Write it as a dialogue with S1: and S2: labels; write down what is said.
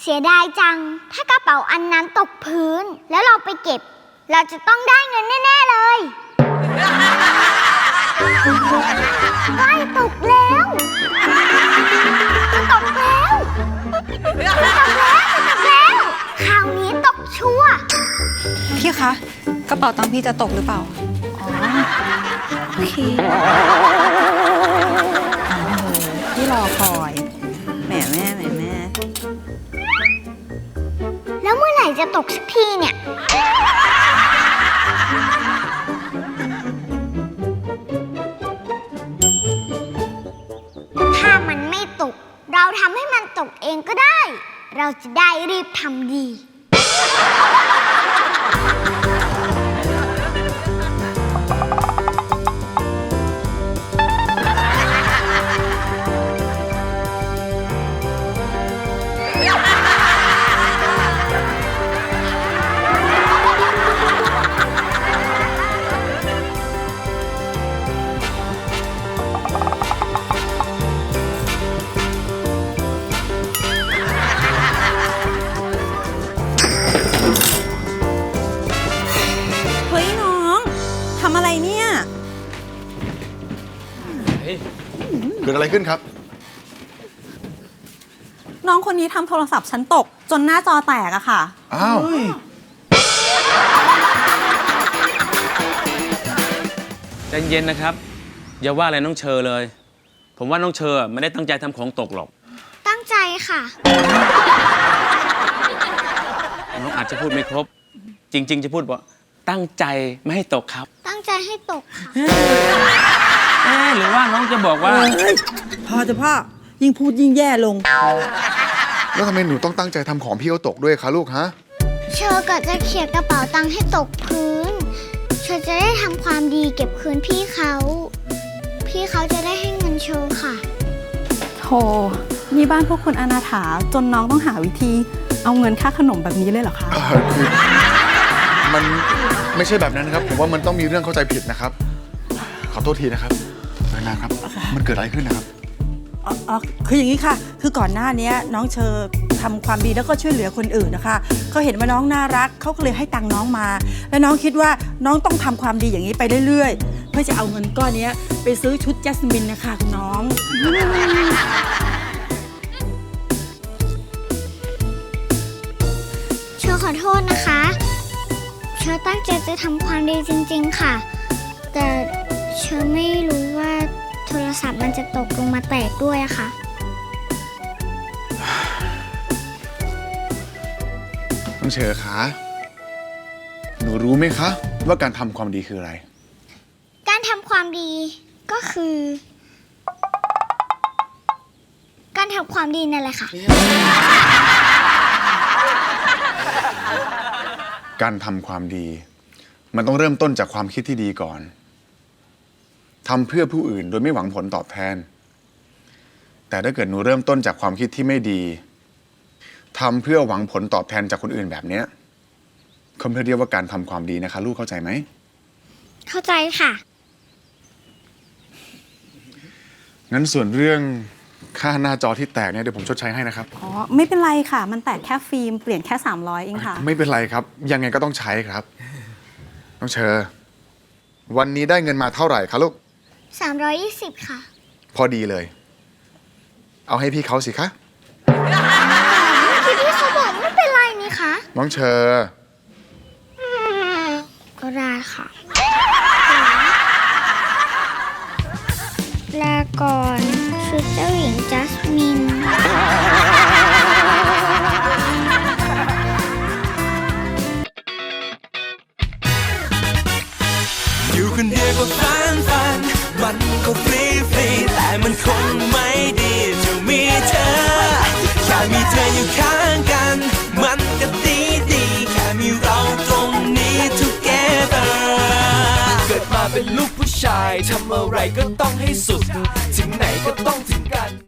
S1: สียดายจังถ้ากระเป๋าอันนั้นตกพื้นแล้วเราไปเก็บเราจะต้องได้เงินแน่ๆเลยใกล้ตกแล้วจะตกแล้วคราวนี้ตกชัวร์
S2: พี่คะกระเป๋าตังค์พี่จะตกหรือเปล่าอ๋อโอเคพี่รอคอยแหมแม่
S1: แล้วเมื่อไหร่จะตกสักทีเนี่ยถ้ามันไม่ตกเราทำให้มันตกเองก็ได้เราจะได้รีบทำดี
S3: เกิดอะไรขึ้นครับ
S2: น้องคนนี้ทำโทรศัพท์ฉันตกจนหน้าจอแตกอะค่ะ
S3: อ้าว
S4: ใจเย็นนะครับอย่าว่าอะไรน้องเชอเลยผมว่าน้องเชอไม่ได้ตั้งใจทำของตกหรอก
S1: ตั้งใจค่ะ
S4: น้องอาจจะพูดไม่ครบจริงๆจะพูดว่าตั้งใจไม่ให้ตกครับ
S1: ตั้งใจให้ตกค่ะ
S4: หรือว่าน้องจะบอกว่า
S5: พอจะพ่อยิ่งพูดยิ่งแย่ลง
S3: แล้วทำไมหนูต้องตั้งใจทำของพี่เขาตกด้วยคะลูกฮะ
S1: เชอก็จะเขี่ยกระเป๋าตังค์ให้ตกพื้นเชอจะได้ทำความดีเก็บคืนพี่เขาจะได้ให้เงินเชอค่ะ
S2: โธ่นี่บ้านพวกคนอนาถาจนน้องต้องหาวิธีเอาเงินค่าขนมแบบนี้เลยเหรอคะ
S3: คือมันไม่ใช่แบบนั้นครับผมว่ามันต้องมีเรื่องเข้าใจผิดนะครับขอโทษทีนะครับนะครับมันเกิดอะไรขึ้นนะครับ
S5: อ๋อคืออย่างนี้ค่ะคือก่อนหน้านี้น้องเชอทำความดีแล้วก็ช่วยเหลือคนอื่นนะคะเขาเห็นว่าน้องน่ารักเขาก็เลยให้ตังค์น้องมาแล้วน้องคิดว่าน้องต้องทำความดีอย่างนี้ไปเรื่อยๆเพื่อจะเอาเงินก้อนนี้ไปซื้อชุดแจสมินนะคะคุณน้อง
S1: เชอขอโทษนะคะเชอตั้งใจจะทำความดีจริงๆค่ะแต่เชอไม่รู้ว่าโทรศัพท์มันจะตกลงมาแตกด้วยอะค่ะ
S3: น้องเชอคะหนูรู้ไหมคะว่าการทำความดีคืออะไร
S1: การทำความดีก็คือการทำความดีนั่นแหละค่ะ
S3: การทำความดีมันต้องเริ่มต้นจากความคิดที่ดีก่อนทำเพื่อผู้อื่นโดยไม่หวังผลตอบแทนแต่ถ้าเกิดหนูเริ่มต้นจากความคิดที่ไม่ดีทำเพื่อหวังผลตอบแทนจากคนอื่นแบบเนี้ยเขาไม่เรียกว่าการทำความดีนะคะลูกเข้าใจไหม
S1: เข้าใจค่ะ
S3: งั้นส่วนเรื่องค่าหน้าจอที่แตกเนี่ยเดี๋ยวผมชดใช้ให้นะครับ
S2: อ๋อไม่เป็นไรค่ะมันแตกแค่ฟิล์มเปลี่ยนแค่300เองค่ะ
S3: ไม่เป็นไรครับยังไงก็ต้องใช้ครับน้องเชอวันนี้ได้เงินมาเท่าไหร่คะลูก
S1: 320ค่ะ
S3: พอดีเลยเอาให้พี่เขาสิคะ
S1: พี่เขาบอกไม่เป็นไรนี่คะ
S3: น้องเชอ
S1: ก็ได้ค่ะลาก่อนชุดเจ้าหญิงจัสมิน
S6: อยู่คนเดียวก็ฝันมันก็ฟรีแต่มันคงไม่ดีจะมีเธอแค่มีเธออยู่ข้างกันมันก็ดีแค่มีเราตรงนี้ together เกิดมาเป็นลูกผู้ชายทำอะไรก็ต้องให้สุดถึงไหนก็ต้องถึงกัน